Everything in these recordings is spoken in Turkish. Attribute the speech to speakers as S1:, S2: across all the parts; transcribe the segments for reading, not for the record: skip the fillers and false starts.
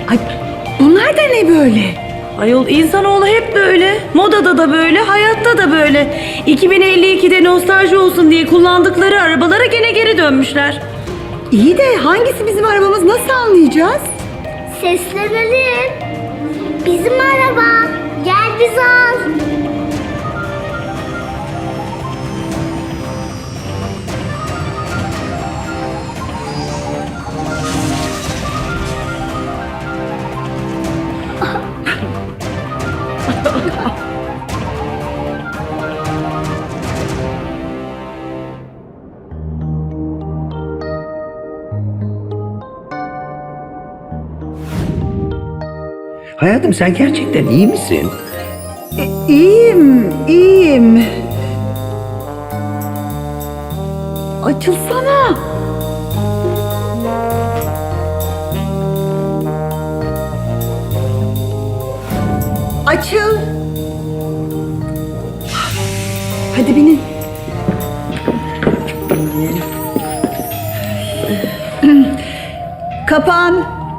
S1: Ay, bunlar da ne böyle?
S2: Ayol insanoğlu hep böyle. Modada da böyle, hayatta da böyle. 2052'de nostalji olsun diye kullandıkları arabalara gene geri dönmüşler.
S1: İyi de hangisi bizim arabamız, nasıl anlayacağız?
S3: Seslenelim. Bizim araba. Gel bizi al.
S4: Hayatım sen gerçekten iyi misin?
S1: İyiyim. Açılsana. Açıl. Hadi binin. Kapan.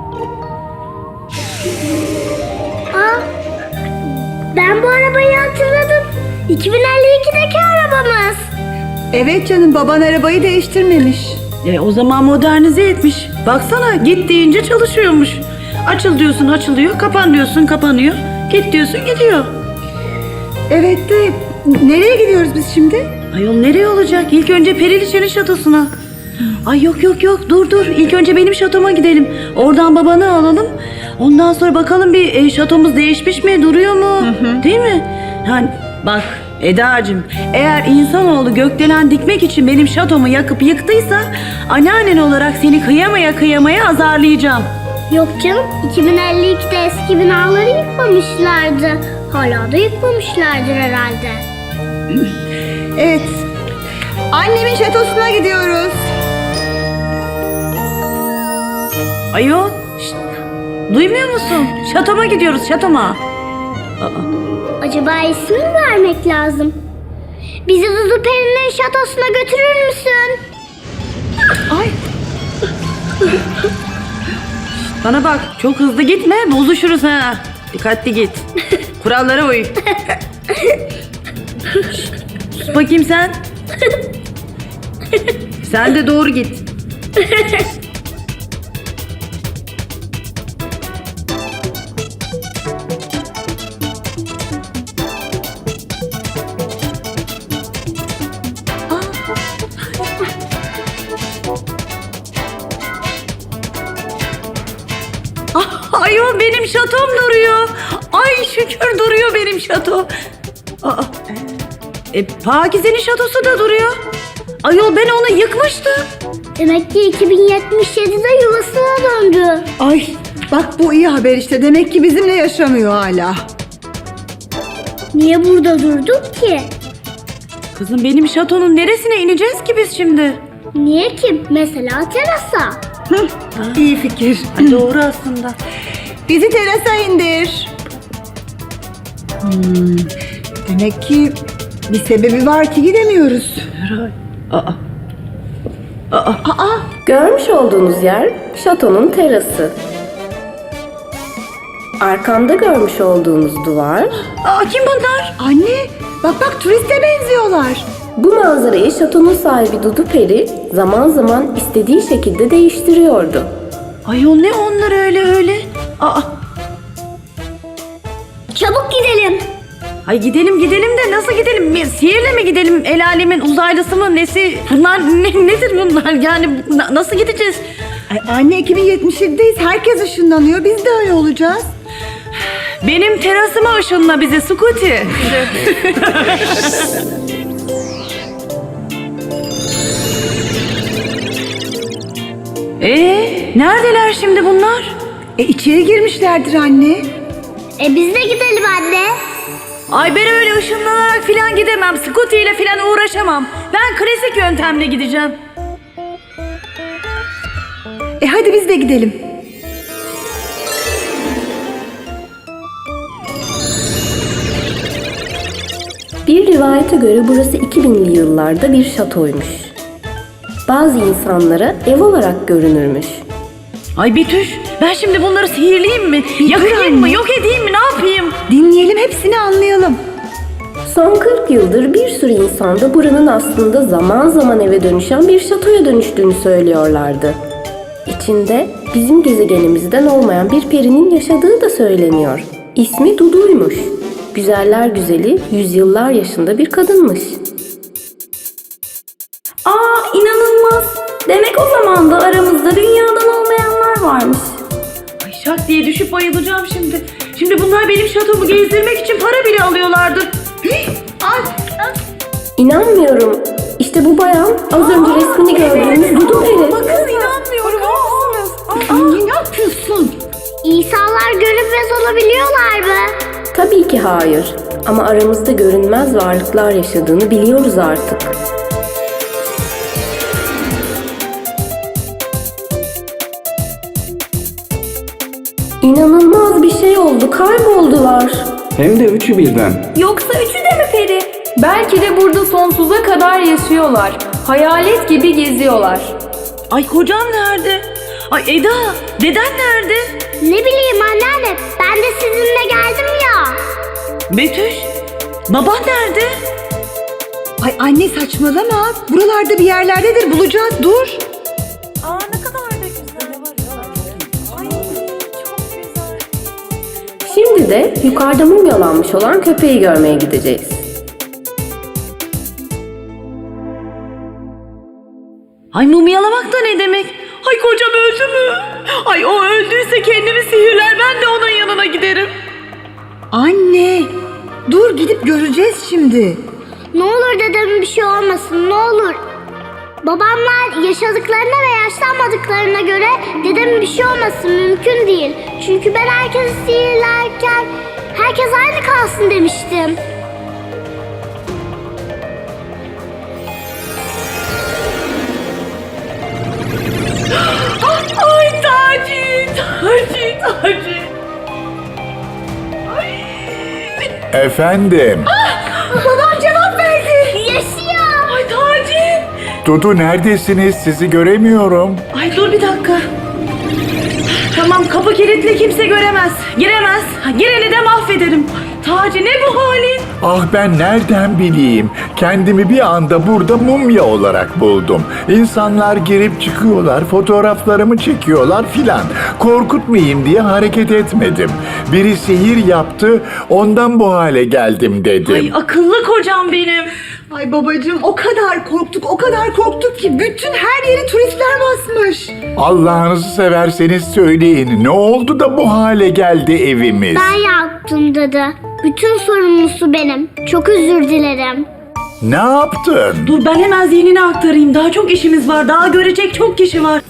S3: Ben bu arabayı hatırladım. 2052'deki arabamız.
S1: Evet canım, baban arabayı değiştirmemiş.
S2: O zaman modernize etmiş. Baksana git deyince çalışıyormuş. Açıl diyorsun açılıyor, kapan diyorsun kapanıyor. Git diyorsun gidiyor.
S1: Evet de nereye gidiyoruz biz şimdi?
S2: Ayol nereye olacak? İlk önce Periliçe'nin şatosuna. Ay yok dur. İlk önce benim şatoma gidelim. Oradan babanı alalım. Ondan sonra bakalım bir şatomuz değişmiş mi? Duruyor mu? Değil mi? Yani bak Eda'cığım, eğer insanoğlu gökdelen dikmek için benim şatomu yakıp yıktıysa anneannen olarak seni kıyamaya azarlayacağım.
S3: Yok canım. 2052'de eski binaları yıkmamışlardı. Hala da yıkmamışlardır herhalde.
S1: Evet. Annemin şatosuna gidiyoruz.
S2: Ayol, şşt, duymuyor musun? Şatoma gidiyoruz, şatoma.
S3: Acaba isim mi vermek lazım? Bizi Dudu Peri'nin şatosuna götürür müsün?
S1: Ay,
S2: Bana bak, çok hızlı gitme, bozuşuruz ha. Dikkatli git. Kurallara uy. Şşt, sus bakayım sen. Sen de doğru git. Ayol benim şatom duruyor. Ay şükür duruyor benim şato. Pakize'nin şatosu da duruyor. Ayol ben onu yıkmıştım.
S3: Demek ki 2077'de yuvasına döndü.
S1: ay. Bak bu iyi haber işte. Demek ki bizimle yaşamıyor hala.
S3: Niye burada durduk ki?
S2: Kızım benim şatonun neresine ineceğiz ki biz şimdi?
S3: Niye ki? Mesela terasa.
S1: İyi fikir.
S2: Ay, doğru aslında.
S1: Bizi terasa indir. Demek ki bir sebebi var ki gidemiyoruz.
S5: Görmüş olduğunuz yer şatonun terası. Arkamda görmüş olduğunuz duvar,
S2: Kim bunlar?
S1: Anne, bak turiste benziyorlar.
S5: bu manzarayı şatonun sahibi Dudu Peri zaman zaman istediği şekilde değiştiriyordu.
S2: Ayol ne onlar öyle?
S3: Çabuk gidelim.
S2: Ay gidelim de nasıl gidelim? Sihirle mi gidelim? El alemin uzaylısı mı nesi? Bunlar nedir bunlar? Yani nasıl gideceğiz?
S1: Ay, anne 2077'deyiz. Herkes ışınlanıyor. Biz de öyle olacağız.
S2: Benim terasıma ışınla bizi Scooty. Neredeler şimdi bunlar?
S1: İçeri girmişlerdir anne.
S3: Biz de gidelim anne.
S2: Ay ben öyle ışınlanarak filan gidemem. Scooty ile filan uğraşamam. Ben klasik yöntemle gideceğim.
S1: Hadi biz de gidelim.
S5: Bir rivayete göre burası 2000'li yıllarda bir şatoymuş. Bazı insanlara ev olarak görünürmüş.
S2: Ay Betüş, ben şimdi bunları sihirleyeyim mi?
S1: Bir dur
S2: Yakayım mı?
S1: anne.
S2: Yok edeyim mi? Ne yapayım?
S1: Dinleyelim, hepsini anlayalım.
S5: Son 40 yıldır bir sürü insan da buranın aslında zaman zaman eve dönüşen bir şatoya dönüştüğünü söylüyorlardı. İçinde bizim gezegenimizden olmayan bir perinin yaşadığı da söyleniyor. İsmi Dudu'ymuş. Güzeller güzeli, yüzyıllar yaşında bir kadınmış.
S6: Aa, inanılmaz. Demek o zaman da aramızda dünyadan olmayanlar varmış.
S2: Ay şak diye düşüp bayılacağım şimdi. Şimdi bunlar benim şatomu gezdirmek için para bile alıyorlardır. Ay,
S5: İnanmıyorum. İşte bu bayan az önce resmini gördüğümüz Dudu peri.
S2: bakın inanmıyorum.
S1: Anne ne yapıyorsun?
S3: İnsanlar görünmez olabiliyorlar mı?
S5: Tabii ki hayır. Ama aramızda görünmez varlıklar yaşadığını biliyoruz artık. İnanılmaz bir şey oldu. Kayboldular.
S7: Hem de üçü birden.
S6: Yoksa üçü de mi peri? Belki de burada sonsuza kadar yaşıyorlar. Hayalet gibi geziyorlar.
S2: Ay kocam nerede? Ay Eda, deden nerede?
S3: Ne bileyim anneanne, ben de sizinle geldim ya.
S2: Betüş, baban nerede?
S1: Ay anne saçmalama. Buralarda bir yerlerdedir, bulacağız, dur.
S5: Şimdi de yukarıda mumyalanmış olan köpeği görmeye gideceğiz.
S2: Ay mumyalamak da ne demek? Ay kocam öldü mü? Ay o öldüyse kendimi sihirler, ben de onun yanına giderim.
S1: Anne, dur gidip göreceğiz şimdi.
S3: Ne olur dedemin bir şey olmasın, ne olur. Babamlar yaşadıklarına ve yaşlanmadıklarına göre dedemin bir şey olmasın mümkün değil. Çünkü ben herkesi sihirlerken herkes aynı kalsın demiştim.
S2: Ay Taci.
S8: Efendim,
S1: Babam cevap verdi.
S3: Yaşıyor.
S2: Ay Taci.
S8: Dudu neredesiniz? Sizi göremiyorum.
S2: Ay dur bir dakika. Tamam kapı kilitli, kimse göremez. Giremez. Gireni de mahvederim. Taci ne bu halin?
S8: Ah ben nereden bileyim? Kendimi bir anda burada mumya olarak buldum. İnsanlar girip çıkıyorlar, fotoğraflarımı çekiyorlar filan. Korkutmayayım diye hareket etmedim. Biri sihir yaptı, ondan bu hale geldim dedim.
S2: Ay akıllı kocam benim.
S1: Ay babacığım o kadar korktuk ki bütün her yeri turistler basmış.
S8: Allah'ınızı severseniz söyleyin. Ne oldu da bu hale geldi evimiz?
S3: Ben yaptım dede. Bütün sorumlusu benim. Çok özür dilerim.
S8: Ne yaptın?
S2: Dur ben hemen zihnine aktarayım. Daha çok işimiz var. Daha görecek çok kişi var.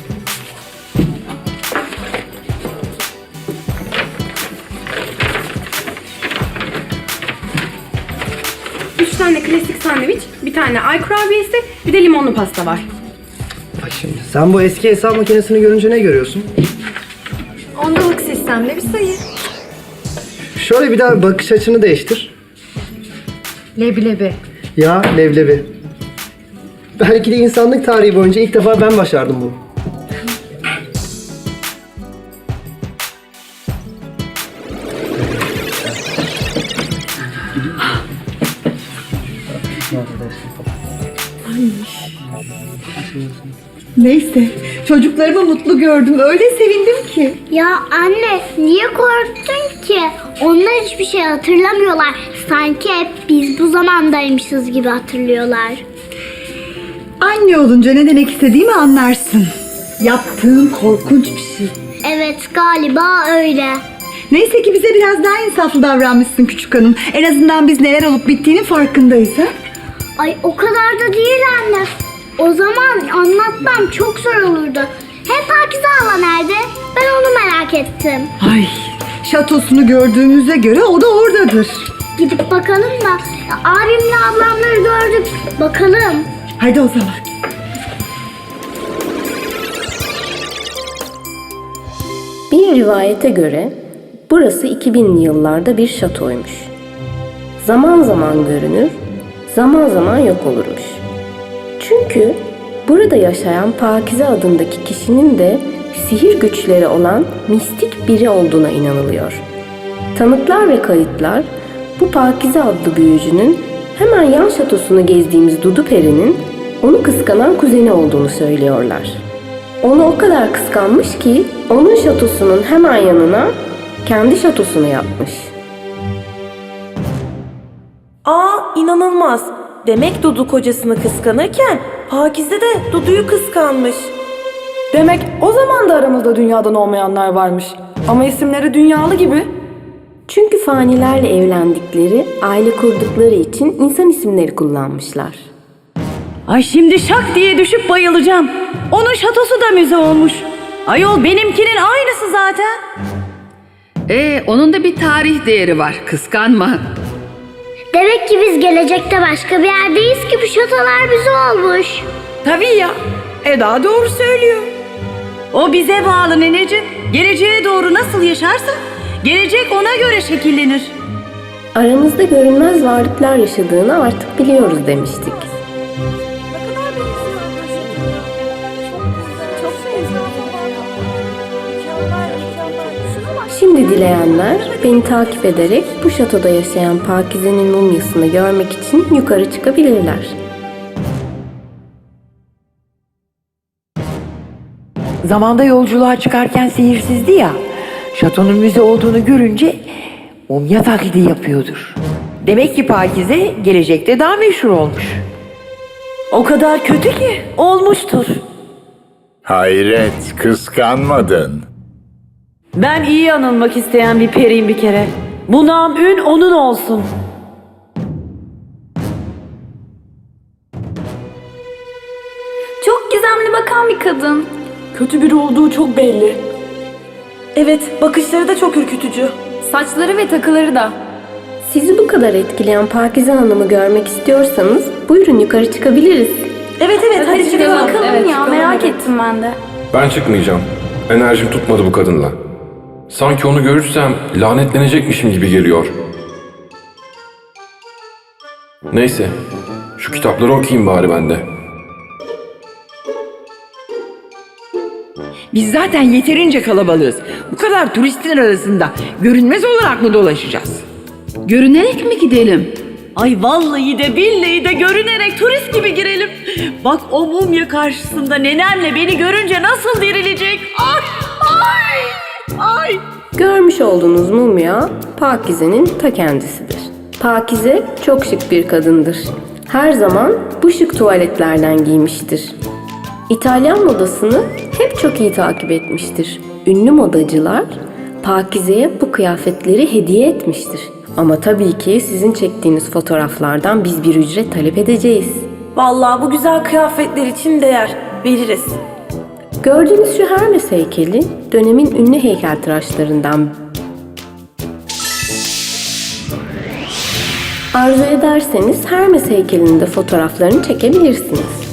S6: Üç tane klasik sandviç, bir tane ay kurabiyesi, bir de limonlu pasta var.
S7: Bak şimdi sen bu eski hesap makinesini görünce ne görüyorsun?
S6: Ondalık sistemle bir sayı.
S7: Şöyle bir daha bakış açını değiştir.
S6: Leblebi.
S7: Ya leblebi. Belki de insanlık tarihi boyunca ilk defa ben başardım bunu.
S1: Neyse, çocuklarımı mutlu gördüm. Öyle sevindim ki.
S3: Ya anne niye korktun ki? Onlar hiçbir şey hatırlamıyorlar. Sanki hep biz bu zamandaymışız gibi hatırlıyorlar.
S1: Anne olunca ne demek istediğimi anlarsın. Yaptığın korkunç bir şey.
S3: Evet galiba öyle.
S1: Neyse ki bize biraz daha insaflı davranmışsın küçük hanım. En azından biz neler olup bittiğinin farkındayız ha?
S3: Ay o kadar da değil anne. O zaman anlatmam çok zor olurdu. Hem Pakize hala nerede? Ben onu merak ettim.
S1: Ay, şatosunu gördüğümüze göre o da oradadır.
S3: Gidip bakalım da abimle ablamları gördük. Bakalım.
S1: Hadi o zaman.
S5: Bir rivayete göre burası 2000'li yıllarda bir şatoymuş. Zaman zaman görünür, zaman zaman yok olurmuş. Çünkü burada yaşayan Pakize adındaki kişinin de sihir güçleri olan mistik biri olduğuna inanılıyor. Tanıklar ve kayıtlar bu Pakize adlı büyücünün hemen yan şatosunu gezdiğimiz Dudu Peri'nin onu kıskanan kuzeni olduğunu söylüyorlar. Onu o kadar kıskanmış ki onun şatosunun hemen yanına kendi şatosunu yapmış.
S9: Aa, inanılmaz. Demek Dudu kocasını kıskanırken Pakize de Dudu'yu kıskanmış.
S6: Demek o zaman da aramızda dünyadan olmayanlar varmış. Ama isimleri dünyalı gibi.
S5: Çünkü fanilerle evlendikleri, aile kurdukları için insan isimleri kullanmışlar.
S2: Ay şimdi şak diye düşüp bayılacağım. Onun şatosu da müze olmuş. Ayol benimkinin aynısı zaten.
S10: Onun da bir tarih değeri var. Kıskanma.
S3: Demek ki biz gelecekte başka bir yerdeyiz ki bu şatolar bize olmuş.
S9: Tabii ya. Eda doğru söylüyor.
S2: O bize bağlı neneciğim. Geleceğe doğru nasıl yaşarsa gelecek ona göre şekillenir.
S5: Aramızda görünmez varlıklar yaşadığını artık biliyoruz demiştik. Şimdi dileyenler beni takip ederek bu şatoda yaşayan Pakize'nin mumyasını görmek için yukarı çıkabilirler.
S11: Zamanda yolculuğa çıkarken sihirsizdi ya. Şatonun müze olduğunu görünce mumya taklidi yapıyordur. Demek ki Pakize gelecekte daha meşhur olmuş.
S2: O kadar kötü ki olmuştur.
S8: Hayret, kıskanmadın.
S2: Ben iyi anılmak isteyen bir periyim bir kere. Bu nam ün onun olsun.
S6: Çok gizemli bakan bir kadın.
S9: Kötü biri olduğu çok belli. Evet, bakışları da çok ürkütücü.
S6: Saçları ve takıları da.
S5: Sizi bu kadar etkileyen Pakize Hanım'ı görmek istiyorsanız buyurun yukarı çıkabiliriz.
S9: Evet, hadi çıkalım.
S6: Bakalım ya, merak ettim ben de.
S12: Ben çıkmayacağım. Enerjim tutmadı bu kadınla. Sanki onu görürsem lanetlenecekmişim gibi geliyor. Neyse, şu kitapları okuyayım bari ben de.
S11: Biz zaten yeterince kalabalığız. Bu kadar turistin arasında görünmez olarak mı dolaşacağız?
S10: Görünerek mi gidelim?
S2: Ay vallahi de billahi de görünerek turist gibi girelim. Bak o mumya karşısında nenemle beni görünce nasıl dirilecek. Ay.
S5: Görmüş olduğunuz mumya Pakize'nin ta kendisidir. Pakize çok şık bir kadındır. Her zaman bu şık tuvaletlerden giymiştir. İtalyan modasını hep çok iyi takip etmiştir. Ünlü modacılar Pakize'ye bu kıyafetleri hediye etmiştir. Ama tabii ki sizin çektiğiniz fotoğraflardan biz bir ücret talep edeceğiz.
S9: Vallahi bu güzel kıyafetler için değer. Veririz.
S5: Gördüğünüz şu Hermes heykeli dönemin ünlü heykeltıraşlarından. Arzu ederseniz Hermes heykelinin de fotoğraflarını çekebilirsiniz.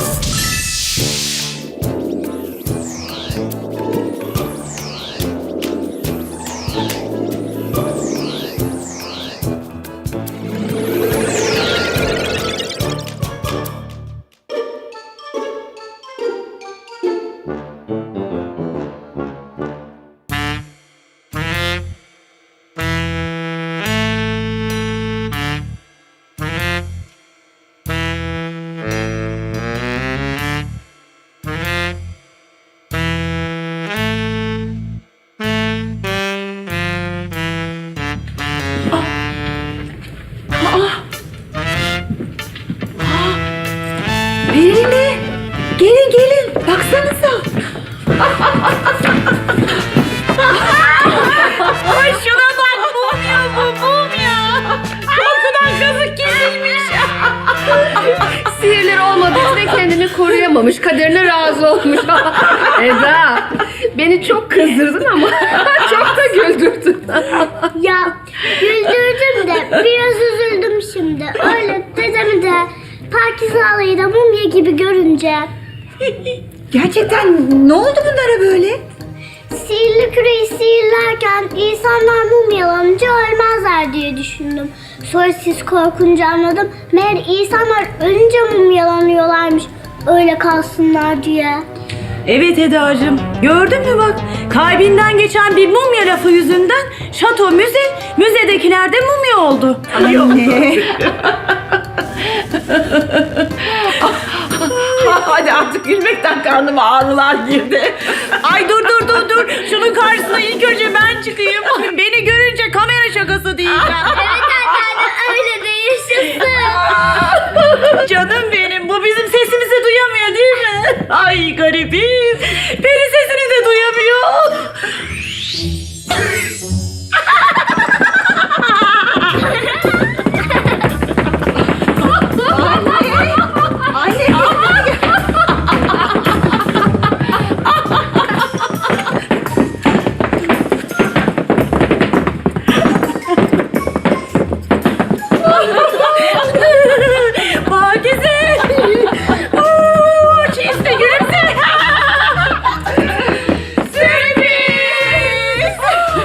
S11: Perili, gelin baksanıza.
S2: Ay şuna bak mumya bu mumya. Korkudan kazık kesilmiş.
S10: Sihirleri olmadığı için de kendini koruyamamış. Kaderine razı olmuş. Eda, beni çok kızdırdın ama çok da güldürdün.
S3: Ya güldürdüm de biraz üzüldüm şimdi. Öyle dedemi de Pakize halayı da mumya gibi görünce.
S1: Gerçekten ne oldu bunlara böyle?
S3: Sihirli küreyi sihirlerken insanlar mumyalanınca ölmezler diye düşündüm. Sonra siz korkunca anladım. Meğer insanlar ölünce mumyalanıyorlarmış. Öyle kalsınlar diye.
S2: Evet Eda'cığım, gördün mü bak, kalbinden geçen bir mumya lafı yüzünden şato müze, müzedekiler de mumya oldu.
S1: Anne.
S9: Hadi artık gülmekten karnıma ağrılar girdi.
S2: Ay dur, şunun karşısına ilk önce ben çıkayım. Beni görünce kamera şakası diyeceğim.
S3: Evet anneanne öyle de yaşasın.
S2: Canım benim, bu bizim sesimizi duyamıyor değil mi? Ay garibiz, peri sesini de duyamıyor. Pakize! Çizdi gülümse! Sürpriz!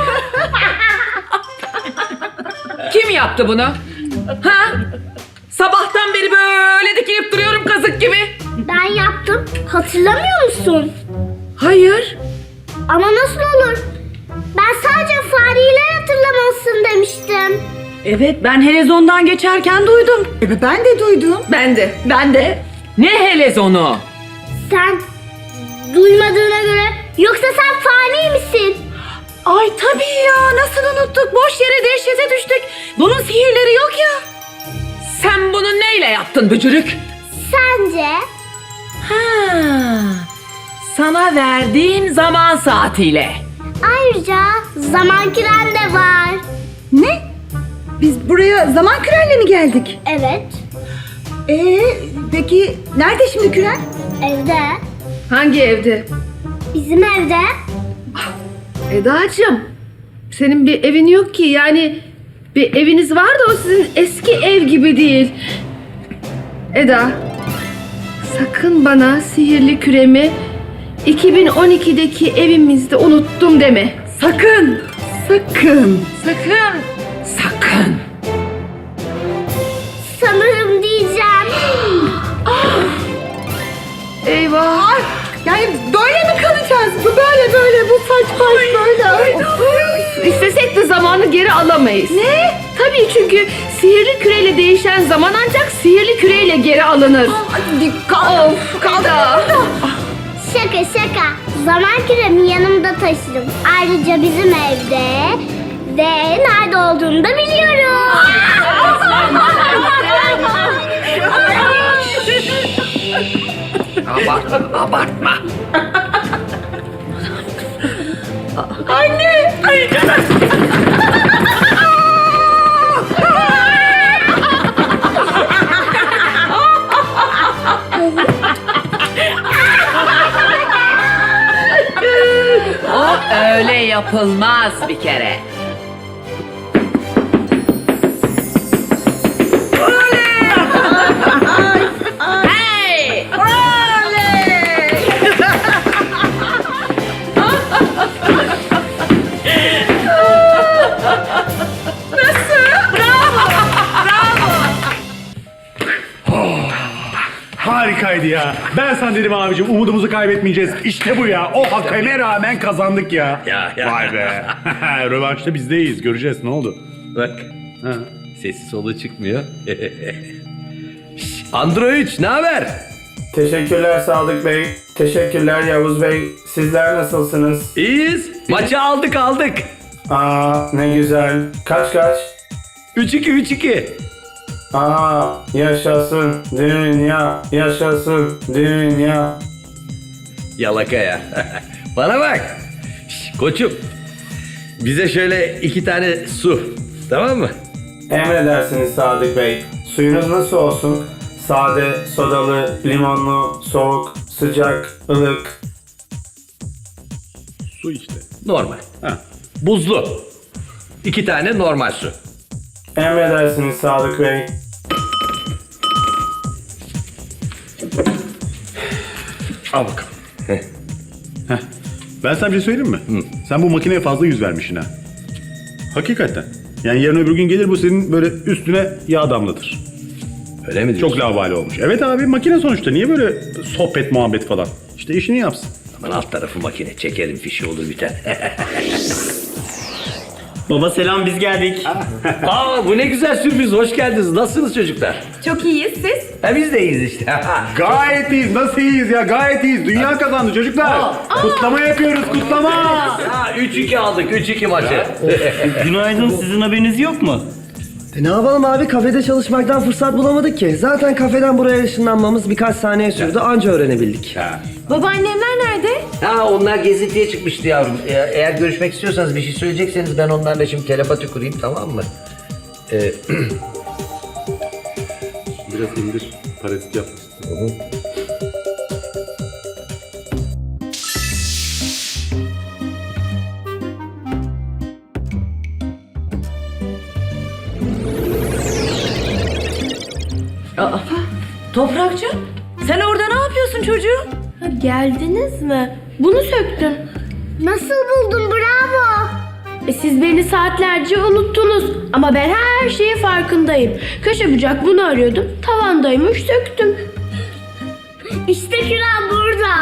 S9: Kim yaptı bunu? Ha? Sabahtan beri böyle dikilip duruyorum kazık gibi.
S3: Ben yaptım. Hatırlamıyor musun?
S9: Hayır.
S3: Ama nasıl olur? Ben sadece fareler hatırlamalısın demiştim.
S2: Evet, ben helezondan geçerken duydum.
S1: Ben de duydum.
S9: Ben de. Ne helezonu?
S3: Sen duymadığına göre yoksa sen fani misin?
S2: Ay tabii ya, nasıl unuttuk? Boş yere dehşete düştük. Bunun sihirleri yok ya.
S9: Sen bunu neyle yaptın bücürük?
S3: Sence?
S9: Ha. Sana verdiğim zaman saatiyle.
S3: Ayrıca zaman küren de var.
S1: Ne? Biz buraya zaman kürenle mi geldik?
S3: Evet,
S1: Peki nerede şimdi küren?
S3: evde.
S10: Hangi evde?
S3: Bizim evde.
S10: Eda'cığım, senin bir evin yok ki. Yani bir eviniz var da o sizin eski ev gibi değil. Eda, sakın bana sihirli küremi 2012'deki evimizde unuttum deme.
S2: Sakın.
S1: Sakın.
S9: Sakın.
S3: Sanırım diyeceğim.
S10: Eyvah.
S1: Yani böyle mi kalacağız? Bu böyle bu saç baş böyle.
S10: İstesek de zamanı geri alamayız. Ne? Tabii, çünkü sihirli küreyle değişen zaman ancak sihirli küreyle geri alınır. Of Eda.
S3: Şaka. Zaman küremi yanımda taşırım. Ayrıca bizim evde ve nerede olduğunu da biliyorum.
S4: Abartma.
S9: O öyle yapılmaz bir kere. Hey!
S13: Harikaydı ya. Ben sana dedim abicim, umudumuzu kaybetmeyeceğiz. İşte bu ya. O hakeme rağmen kazandık ya.
S4: Ya.
S13: Vay be. Rövanşta bizdeyiz. Göreceğiz ne oldu.
S4: Bak.
S13: Ha.
S4: Sesi solu çıkmıyor. Andro 3 ne haber?
S14: Teşekkürler Sadık Bey. Teşekkürler Yavuz Bey. Sizler nasılsınız?
S4: İyiyiz. Maçı aldık.
S14: Aa ne güzel. Kaç?
S4: 3-2.
S14: Aa yaşasın dünya. Yaşasın dünya.
S4: Yalaka ya. Bana bak. Koçum. Bize şöyle 2 tane su. Tamam mı?
S14: Emredersiniz Sadık Bey. Suyunuz nasıl olsun? Sade, sodalı, limonlu, soğuk, sıcak, ılık.
S13: Su işte.
S4: Normal.
S13: Ha.
S4: Buzlu. 2 tane normal su.
S14: Emredersiniz Sadık Bey.
S13: Al bakalım. Heh. Ben sana bir şey söyleyeyim mi? Sen bu makineye fazla yüz vermişsin ha. Hakikaten. Yani yarın öbür gün gelir bu senin böyle üstüne yağ damlatır.
S4: Öyle mi diyorsun?
S13: Çok laubali olmuş. Evet abi, makine sonuçta. Niye böyle sohbet muhabbet falan? İşte işini yapsın.
S4: Aman alt tarafı makine. Çekerim fişi olur biter.
S14: Baba selam, biz geldik.
S4: Aa, bu ne güzel sürpriz. Hoş geldiniz. Nasılsınız çocuklar?
S10: Çok iyiyiz siz.
S4: Biz de iyiyiz işte.
S13: Gayet iyiyiz. Nasıl iyiyiz ya? Gayet iyiyiz. Dünya kazandı çocuklar. Kutlama yapıyoruz, kutlama.
S4: 3-2 aldık. 3-2 maçı.
S14: Günaydın, sizin haberiniz yok mu?
S7: Ne yapalım abi, kafede çalışmaktan fırsat bulamadık ki. Zaten kafeden buraya ışınlanmamız birkaç saniye sürdü, anca öğrenebildik.
S10: Babaannemler nerede?
S4: Onlar gezintiye çıkmıştı yavrum. Eğer görüşmek istiyorsanız, bir şey söyleyecekseniz ben onlarla şimdi telepati kurayım, tamam mı?
S13: Biraz indir. Parazit yap.
S2: Toprakçı, sen orada ne yapıyorsun çocuğum?
S6: Geldiniz mi? Bunu söktüm.
S3: Nasıl buldun, bravo.
S6: Siz beni saatlerce unuttunuz. Ama ben her şeyin farkındayım. Köşe bucak bunu arıyordum. Tavandaymış, söktüm.
S3: İşte küren burada.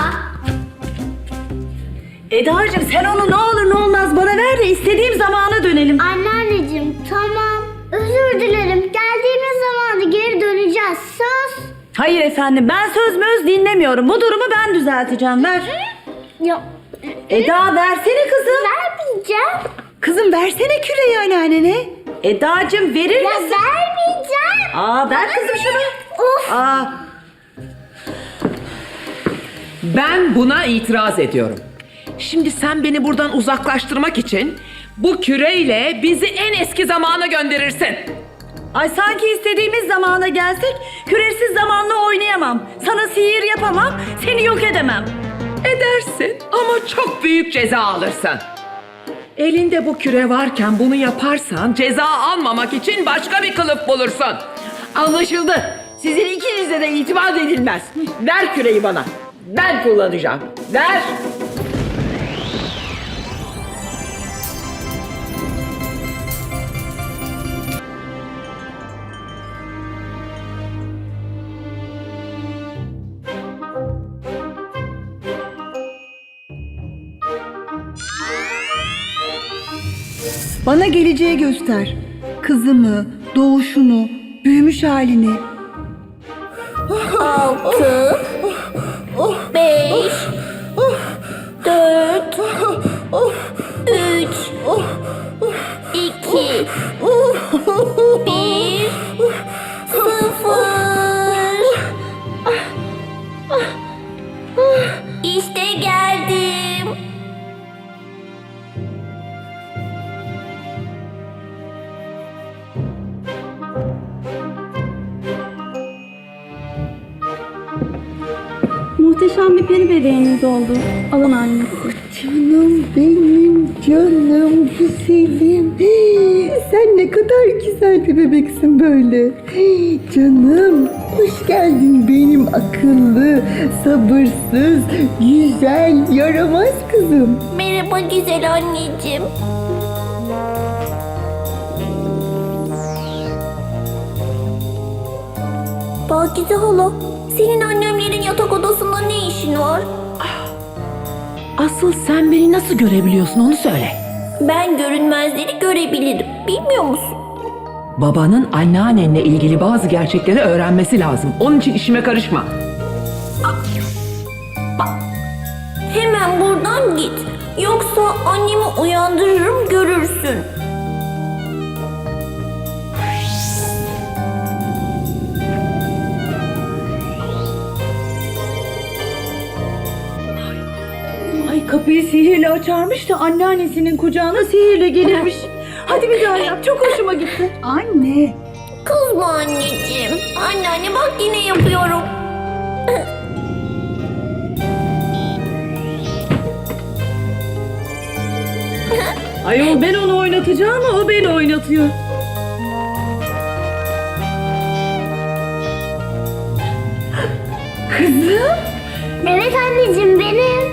S2: Eda'cığım sen onu ne olur ne olmaz bana ver de istediğim zamana dönelim.
S3: Anneanneciğim tamam. Özür dilerim. Geldiğimiz zamanda geri döneceğiz. Söz.
S2: Hayır efendim, ben söz möz dinlemiyorum. Bu durumu ben düzelteceğim, ver.
S3: Ya
S2: Eda versene kızım.
S3: vermeyeceğim.
S2: Kızım versene küreği anneannene. Eda'cığım verir
S3: Ya
S2: misin?
S3: vermeyeceğim.
S2: Aa ver kızım şunu.
S3: Of.
S2: Aa.
S9: Ben buna itiraz ediyorum. Şimdi sen beni buradan uzaklaştırmak için bu küreyle bizi en eski zamana gönderirsin.
S2: Ay sanki istediğimiz zamana gelsek küresiz zamanla oynayamam. Sana sihir yapamam, seni yok edemem.
S9: Edersin ama çok büyük ceza alırsın. Elinde bu küre varken bunu yaparsan ceza almamak için başka bir kılıf bulursun.
S11: Anlaşıldı. Sizin ikinize de itimat edilmez. Ver küreyi bana. Ben kullanacağım. Ver.
S1: Bana geleceği göster. Kızımı, doğuşunu, büyümüş halini.
S3: 6 5 4 3 2 1 0 İşte geldim.
S6: Muhteşem bir peri bebeğiniz oldu. Alın annesi.
S1: Canım benim, canım güzelim. Sen ne kadar güzel bir bebeksin böyle. Canım, hoş geldin benim akıllı, sabırsız, güzel, yaramaz kızım.
S3: Merhaba güzel anneciğim. Pakize hala, senin annemlerin yatak odasında ne işin var?
S9: Asıl sen beni nasıl görebiliyorsun onu söyle.
S3: Ben görünmezleri görebilirim. Bilmiyor musun?
S9: Babanın anneannenle ilgili bazı gerçekleri öğrenmesi lazım. Onun için işime karışma.
S3: Hemen buradan git. Yoksa annemi uyandırırım, görürsün.
S2: Ay kapıyı sihirle açarmış da anneannesinin kucağına sihirle gelirmiş. Hadi bir daha yap, çok hoşuma gitti.
S1: Anne,
S3: Kızma anneciğim. Anneanne bak yine yapıyorum.
S2: Ayol ben onu oynatacağım ama o beni oynatıyor.
S1: kızım.
S3: Evet anneciğim benim.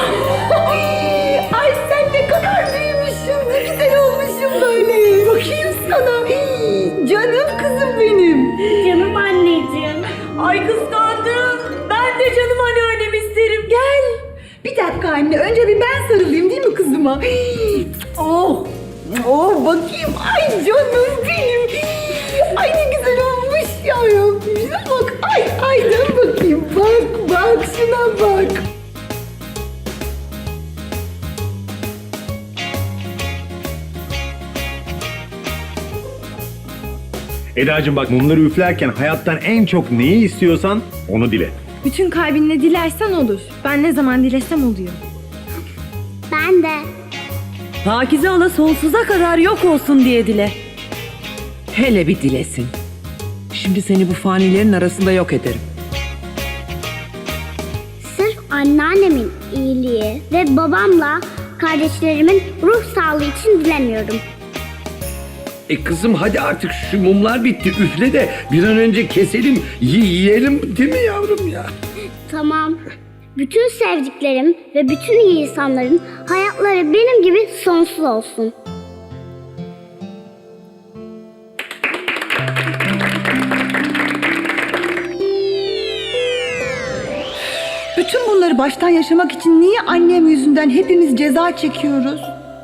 S1: Ay sen ne kadar büyümüşsün, ne güzel olmuşsun böyle. Bakayım sana. Canım kızım benim.
S3: Canım anneciğim.
S2: Ay kıskandım. Ben de canım anneannem isterim. Gel.
S1: Bir dakika anne, önce bir ben sarılayım değil mi kızıma? Oh, oh bakayım. Ay canım benim. Ay ne güzel olmuş ya Rabbim. Bak, ay dön bakayım. Bak, şuna bak.
S13: Eda'cığım bak, mumları üflerken hayattan en çok neyi istiyorsan onu dile.
S6: Bütün kalbinle dilersen olur. Ben ne zaman dilesem oluyor.
S3: Ben de.
S2: Pakize hala sonsuza kadar yok olsun diye dile.
S9: Hele bir dilesin. Şimdi seni bu fanilerin arasında yok ederim.
S3: Sırf anneannemin iyiliği ve babamla kardeşlerimin ruh sağlığı için dilemiyorum.
S4: Kızım hadi artık şu mumlar bitti. Üfle de bir an önce keselim. Yiyelim değil mi yavrum ya?
S3: Tamam. Bütün sevdiklerim ve bütün iyi insanların hayatları benim gibi sonsuz olsun.
S1: Bütün bunları baştan yaşamak için niye annem yüzünden hepimiz ceza çekiyoruz?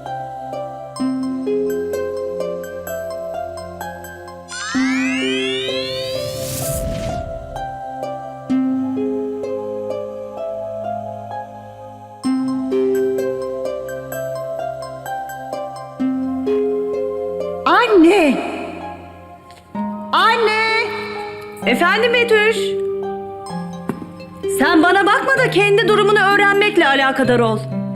S1: Anne! Anne!
S2: Efendim Betüş? Sen bana bakma da kendi durumunu öğrenmekle alakadar ol.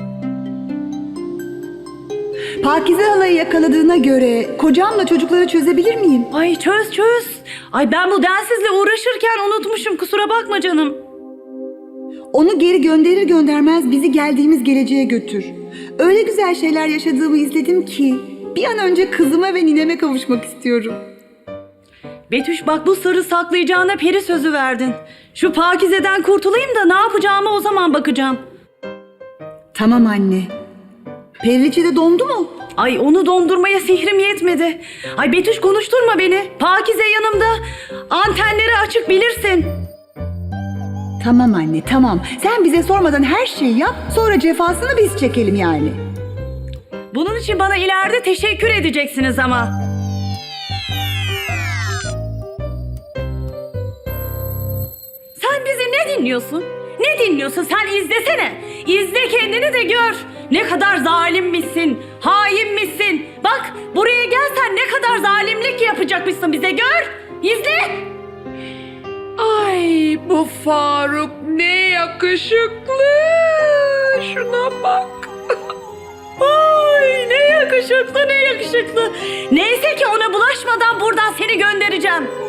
S1: Pakize halayı yakaladığına göre kocamla çocukları çözebilir miyim?
S2: Ay çöz. Ay ben bu densizle uğraşırken unutmuşum, kusura bakma canım.
S1: Onu geri gönderir göndermez bizi geldiğimiz geleceğe götür. Öyle güzel şeyler yaşadığımı izledim ki bir an önce kızıma ve nineme kavuşmak istiyorum.
S2: Betüş bak, bu sırrı saklayacağına peri sözü verdin. Şu Pakize'den kurtulayım da ne yapacağıma o zaman bakacağım.
S1: Tamam anne. Periliçe de dondu mu?
S2: Ay onu dondurmaya sihrim yetmedi. Ay Betüş konuşturma beni. Pakize yanımda. Antenleri açık bilirsin.
S1: Tamam anne, tamam. Sen bize sormadan her şeyi yap, sonra cefasını biz çekelim yani.
S2: Bunun için bana ileride teşekkür edeceksiniz ama. Sen bizi ne dinliyorsun? Ne dinliyorsun? Sen izlesene. İzle kendini de gör. Ne kadar zalimmişsin, hainmişsin. Bak buraya gelsen ne kadar zalimlik yapacakmışsın bize, gör. İzle.
S9: Ay bu Faruk ne yakışıklı. Şuna bak.
S2: Ay ne yakışıklı, ne yakışıklı. Neyse ki ona bulaşmadan buradan seni göndereceğim.